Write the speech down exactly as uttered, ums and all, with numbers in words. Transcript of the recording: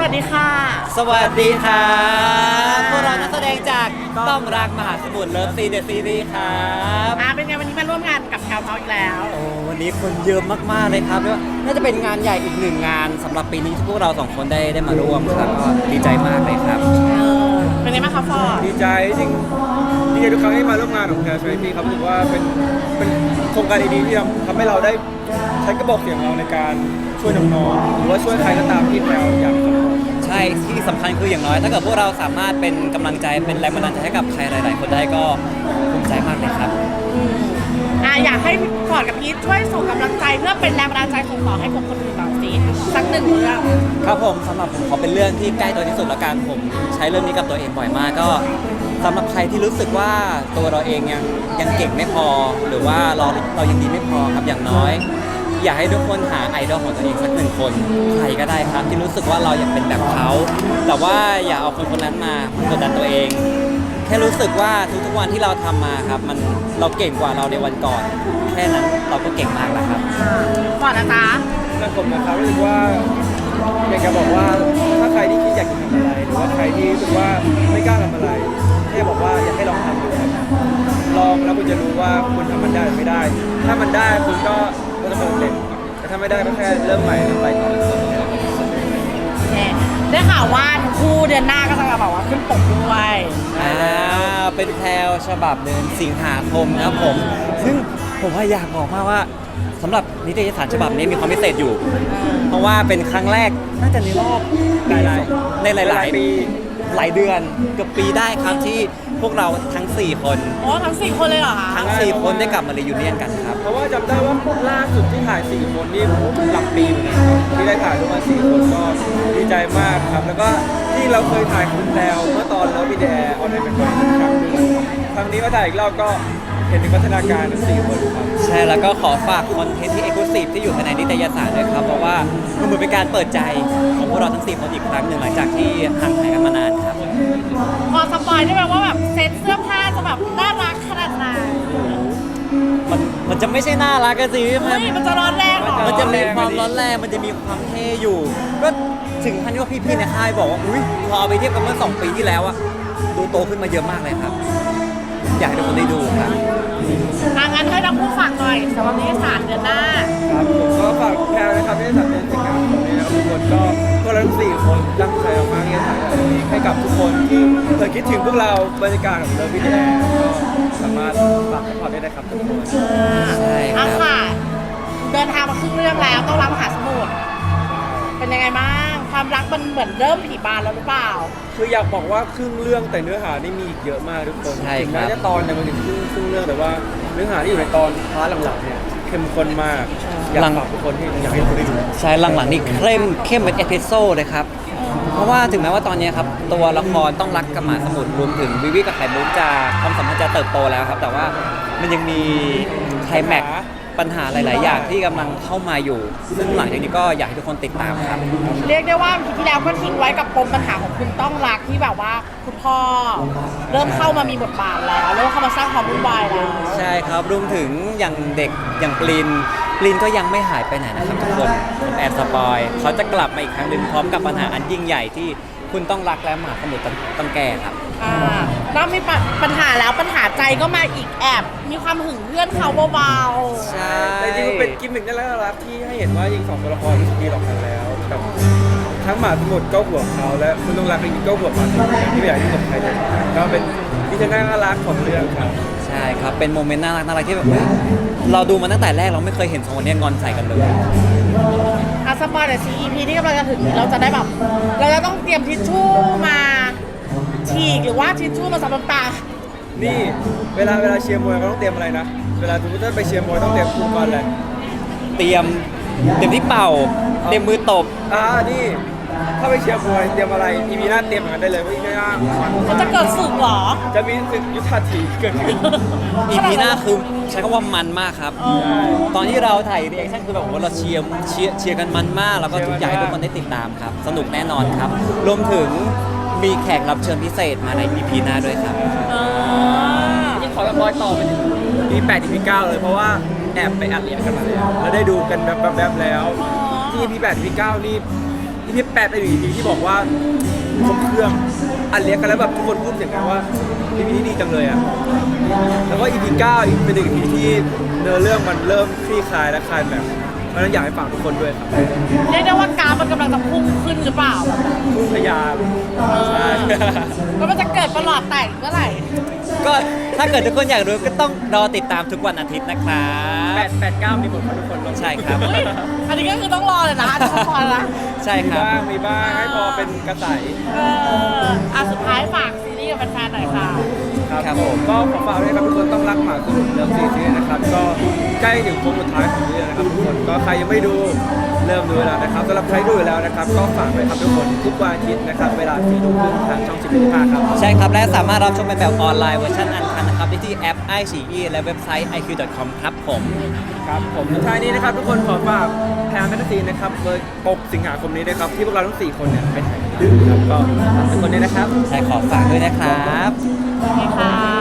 วัสดีค่ะสวัสดีครับพวกเรานักแสดงจากต้องรักมหาสมุทรเลิฟซีเดอะซีรีส์ครับอ่าเป็นไงวันนี้มาร่วมงานกับแคลเฮาอีกแล้วโอ้วันนี้คนเยอะมากๆเลยครับแล้วน่าจะเป็นงานใหญ่อีกหนึ่งงานสำหรับปีนี้ที่พวกเราสองคนได้ได้มาร่วมครับก็ดีใจมากเลยครับเออเป็นไงบ้างคะฟอร์ดดีใจจริงดีใจทุกครั้งที่มาร่วมงานของแคร์ชาริตี้ครับรู้สึกว่าเป็นเป็นโครงการดีๆที่ทำให้เราได้ใช้กระบอกเสียงเราในการช่วยน้องๆหรือว่าช่วยใครก็ตามที่แพลวอยากทำใช่ที่สำคัญคืออย่างน้อยถ้าเกิดพวกเราสามารถเป็นกำลังใจเป็นแรงบันดาลใจให้กับใครหลายๆคนได้ก็ภูมิใจมากเลยครับอืมอ่าอยากให้ฟอร์ดกับพีทช่วยส่งกำลังใจเพื่อเป็นแรงบันดาลใจส่งต่อให้คนคนอื่นต่อสิสักหนึ่งเรื่องครับผมสำหรับผมขอเป็นเรื่องที่ใกล้ตัวที่สุดละกันผมใช้เรื่องนี้กับตัวเองบ่อยมากก็สำหรับใครที่รู้สึกว่าตัวเราเองยังยังเก่งไม่พอ หรือว่าเราเรายังดีไม่พอครับอย่างน้อยอยากให้ทุกคนหาไอดอลของตัวเองสักหนึ่งคนใครก็ได้ครับที่รู้สึกว่าเราอยากเป็นแบบเขาแต่ว่าอย่าเอาคนคนนั้นมากดดันตัวเองแค่รู้สึกว่าทุกๆวันที่เราทำมาครับมันเราเก่งกว่าเราในวันก่อนแค่นั้นเราก็เก่งมากแล้วครับฟอร์ดนะจ๊ะและผมนะครับรู้สึกว่าอยากจะบอกว่าถ้าใครที่คิดอยากจะทำอะไรหรือว่าใครที่รู้สึกว่าไม่กล้าทำอะไรแค่บอกว่าอยากให้ลองทำดูครับลองแล้วคุณจะรู้ว่าคุณทำมันได้หรือไม่ได้ถ้ามันได้คุณก็ก็จะเพิ่มเต็มแต่ถ้าไม่ได้ก็แค่เริ่มใหม่แล้วไปต่อได้ข่าวว่าคู่เดือนหน้าก็จะแบบว่าขึ้นปกด้วยอ่าเป็นแพลวฉบับเดือนสิงหาคมนะครับผมซึ่งผมว่าอยากบอกมากว่าสำหรับนิตยสารฉบับนี้มีความพิเศษอยู่เพราะว่าเป็นครั้งแรกน่าจะในรอบหลายๆในหลายๆปีหลายเดือนเกือบปีได้ครับที่พวกเราทั้งสี่คนอ๋อทั้งสี่คนเลยเหรอคะทั้งสี่คนได้กลับมารียูเนียนกันครับเพราะว่าจำได้ว่าล่าสุดที่ถ่ายสี่คนนี่หลักปีเหมือนกันครับที่ได้ถ่ายด้วยกันสี่คนก็ดีใจมากครับแล้วก็ที่เราเคยถ่ายคุณแล้วเมื่อตอนแล้ววิดีโอออนไลน์เป็นครั้งหนึ่งครั้งนี้มาถ่ายอีกรอบก็เห็นถึงพัฒนาการทั้งสี่คนครับใช่แล้วก็ขอฝากคอนเทนต์ที่เอกลุศิที่อยู่ภายในนิตยสารด้วยครับเพราะว่ามันเหมือนเป็นการเปิดใจของพวกเราทั้งสี่คนอีกครั้งหนึ่งหลังจากที่ห่างหายกันมานานครับพอสปอยได้ไหมว่าแบบเซ็ตเสื้อผ้าจะแบบน่ารักขนาดไหนมันมันจะไม่ใช่น่ารักกันสิมันมันจะร้อนแรงหรอมันจะมีความร้อนแรงมันจะมีความเท่อยู่ก็ถึงขั้นที่ว่าพี่ๆในค่ายบอกว่าอุ้ยพอเอาไปเทียบกันเมื่อสองปีที่แล้วอะดูโตขึ้นมาเยอะมากเลยครับอยากให้ทุกคนได้ดูครับทางงานให้ทั้งคู่ฝากหน่อยสำหรับนิตยสารเดือนหน้าครับผมก็ฝากแพลนะครับนิตยสารเดือนสิงหาคมนี้นะครับทุกคนก็พวกเราทั้งสี่คนตั้งใจมากๆที่จะถ่ายให้กับทุกคนที่เคยคิดถึงพวกเราบรรยากาศของเลิฟวิดีโอก็สามารถฝากให้ความได้นะครับทุกคนใช่ครับค่ะเดินทางมาครึ่งเรื่องแล้วต้องรับมหาสมุทรเป็นยังไงบ้างความรักมันเหมือนเริ่มผีบานแล้วหรือเปล่าคืออยากบอกว่าครึ่งเรื่องแต่เนื้อหานี่มีอีกเยอะมากทุกคนถึงแม้จะตอนเนี่ยมันถึงครึ่งครึ่งเรื่องแต่ว่าเนื้อหาที่อยู่ในตอนพาร์ทหลังๆเนี่ยเข้มข้นมากอยากฝากทุกคนที่อยากให้ทุกคนได้ดูใช่หลังๆนี่เข้มเข้มเป็นเอพิโซดเลยครับเพราะว่าถึงแม้ว่าตอนนี้ครับตัวละครต้องรักกับหมาสมุทรรวมถึงวิวิกับไข่มุกจะความสัมพันธ์จะเติบโตแล้วครับแต่ว่ามันยังมีไคลแม็กซ์ปัญหาหลายๆอย่างที่กำลังเข้ามาอยู่ซึ่งหลังจากนี้ก็อยากให้ทุกคนติดตามครับเรียกได้ว่าปีที่แล้วก็ทิ้งไว้กับปมปัญหาของคุณต้องรักที่แบบว่าคุณพ่อเริ่มเข้ามามีบทบาทแล้วเริ่มเข้ามาสร้างความวุ่นวายแล้วใช่ครับรวมถึงอย่างเด็กอย่างปลินปลินก็ยังไม่หายไปไหนนะครับทุกคนแอบสปอยเขาจะกลับมาอีกครั้งหนึ่งพร้อมกับปัญหาอันยิ่งใหญ่ที่คุณต้องรักและมหาสมุทรต้องแก้ครับอ่าแล้วมีปัญหาแล้วปัญหาใจก็มาอีกแอบมีความหึงเพื่อนเขาเบาๆใช่แต่จริงๆเป็นกิมมิคน่ารักที่ให้เห็นว่ายิงสองตัวละครรู้สึกดีต่อกันแล้วกับทั้งหมาสมุทรก็ห่วงเขาและคุณต้องรักจริงๆก็ห่วงหมาสมุทรที่ไม่อยากให้ตกใครเลยก็เป็นที่จะน่ารักของเรื่องครับใช่ครับเป็นโมเมนต์น่ารักน่ารักที่แบบเราดูมาตั้งแต่แรกเราไม่เคยเห็นสองคนนี้งอนใส่กันเลยอาสปอยแต่ซี อี พี ที่กำลังจะถึงเราจะได้แบบเราจะต้องเตรียมทิชชู่มาฉีกหรือว่าทิชชู่มาซับน้ำตานี่เวลาเวลาเชียร์มวยเขาต้องเตรียมอะไรนะเวลาสมมติถ้าไปเชียร์มวยต้องเตรียมอุปกรณ์อะไรเตรียมเตรียมที่เป่าเตรียมมือตบอ่านี่ถ้าไปเชียร์มวยเตรียมอะไรอีพีหน้าเตรียมเหมือนกันได้เลยว่าอีพีหน้ามันจะเกิดศึกเหรอจะมีศึกยุทธาถีเกิดขึ้นอีพีหน้าคือใช้คำว่ามันมากครับตอนที่เราถ่ายรีแอคชั่นคือแบบว่าเราเชียร์เชียร์เชียร์กันมันมากแล้วก็ทุกอย่างให้ทุกคนได้ติดตามครับสนุกแน่นอนครับรวมถึงมีแขกรับเชิญพิเศษมาใน อี พี หน้าด้วยครับยิ่งขอแบบบอยต่อไปถึง อี พี แปด อี พี เก้าเลยเพราะว่าแอบไปอัดเรียนกันมาแล้วแล้วได้ดูกันแบบแบบแล้วที่ อี พี แปด อี พี เก้านี่ อีพีแปดเป็นอีพีที่บอกว่าครบเครื่องอันเลี้ยงกันแล้วแบบทุกคนพูดอย่างกันว่าอีพีนี้ดีจังเลยอ่ะแล้วก็อีพีเก้าอีกเป็นอีพีที่เนื้อเรื่องมันเริ่มคลี่คลายและคลายแบบเพราะฉะนั้นอยากให้ฝากทุกคนด้วยครับเรียกได้ว่ากราฟมันกำลังจะพุ่งขึ้นหรือเปล่าพุ่งทะยานเออแล้วมันจะเกิดประหลอดแตกเมื่อไหร่ก็ถ้าเกิดทุกคนอยากรู้ก็ต้องรอติดตามทุกวันอาทิตย์นะครับแปดแปดเก้ามีหมดครับทุกคนลงใช่ครับเฮ้ยอันนี้ก็คือต้องรอเลยนะต้องรอนะใช่มีครับบ้างมีบ้างให้พอเป็นกระใสเอออ่ะสุดท้ายฝากซีรีส์กับแฟนๆหน่อยค่ะครับผมก็ขอฝากด้วยครับทุกคนต้องรักหมาคือเริ่มซีรีส์นะครับก็ใกล้ถึงโค้งสุดท้ายของเรื่องนะครับทุกคนก็ใครยังไม่ดูเริ่มดูแล้วนะครับสำหรับใครดูอยู่แล้วนะครับก็ฝากไว้ครับทุกคนทุกวันอาทิตย์นะครับเวลาสี่ทุ่มครึ่งทางช่องสิบเอ็ดห้าครับใช่ครับ และสามารถรับชมเป็นแบบออนไลน์เวอร์ชันอันคันนะครับได้ที่แอป ไอ ซี อี และเว็บไซต์ ไอ คิว ดอท คอม ครับผมครับผมสุดท้ายนี้นะครับทุกคนขอฝากแพนแฟนตาซีนะครับเบอร์หกสิงหาคมนี้นะครับที่พวกเราทั้งสี่คนเนี่ยไปถ่ายกันนะครับก็ฝากทุกคนด้วยนะครับใช่ขอฝากด้วยนะครับโอเคค่ะ